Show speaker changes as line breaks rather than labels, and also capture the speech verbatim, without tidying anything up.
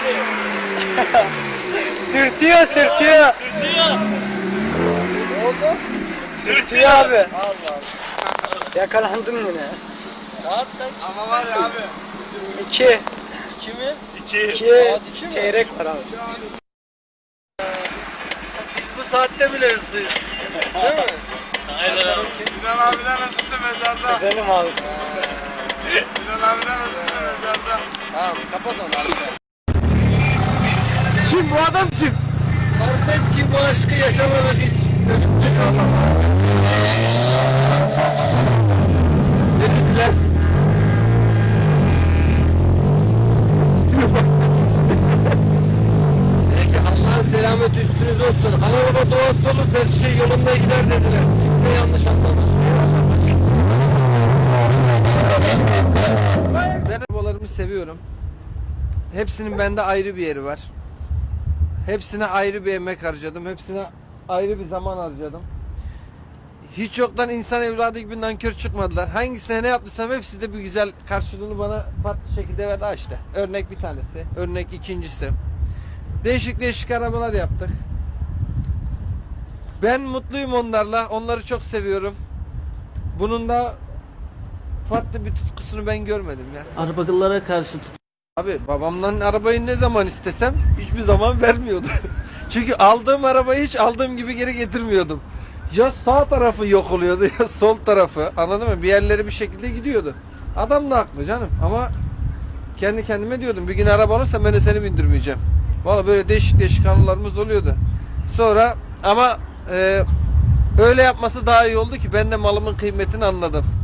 Sürtüyor, sürtüyor.
Sürtüyor.
Ne oldu?
Sürtüyor abi.
Allah Allah.
Yakalandın yine.
Saat kaç?
Ama var ya abi.
İki.
İki mi?
İki.
İki
Saat iki mi?
çeyrek var abi.
Biz bu saatte bile hızlıyız. Değil mi?
Aynen abi. Sinan abiden hızlısı mezarda.
Güzelim abi.
Sinan abiden hızlısı mezarda.
Tamam kapat onu abi.
Kim bu adam kim?
Fark et ki bu aşkı yaşamadık hiç.
Dediler.
Peki Allah'ın selamet üstünüz olsun. Ana baba duası olursa her şey yolunda gider dediler. Kimse yanlış anlamaz. Ben arabalarımı seviyorum. Hepsinin bende ayrı bir yeri var. Hepsine ayrı bir emek harcadım. Hepsine ayrı bir zaman harcadım. Hiç yoktan insan evladı gibi nankör çıkmadılar. Hangisine ne yaptıysam hepsi de bir güzel karşılığını bana farklı şekilde verdi. Ha işte. Örnek bir tanesi. Örnek ikincisi. Değişik değişik arabalar yaptık. Ben mutluyum onlarla. Onları çok seviyorum. Bunun da farklı bir tutkusunu ben görmedim ya.
Arabacılara karşı tut.
Abi babamdan arabayı ne zaman istesem hiçbir zaman vermiyordu. Çünkü aldığım arabayı hiç aldığım gibi geri getirmiyordum. Ya sağ tarafı yok oluyordu ya sol tarafı. Anladın mı? Bir yerleri bir şekilde gidiyordu. Adam da haklı canım ama kendi kendime diyordum bir gün araba alırsam ben de seni bindirmeyeceğim. Valla böyle değişik değişik anılarımız oluyordu. Sonra ama e, öyle yapması daha iyi oldu ki ben de malımın kıymetini anladım.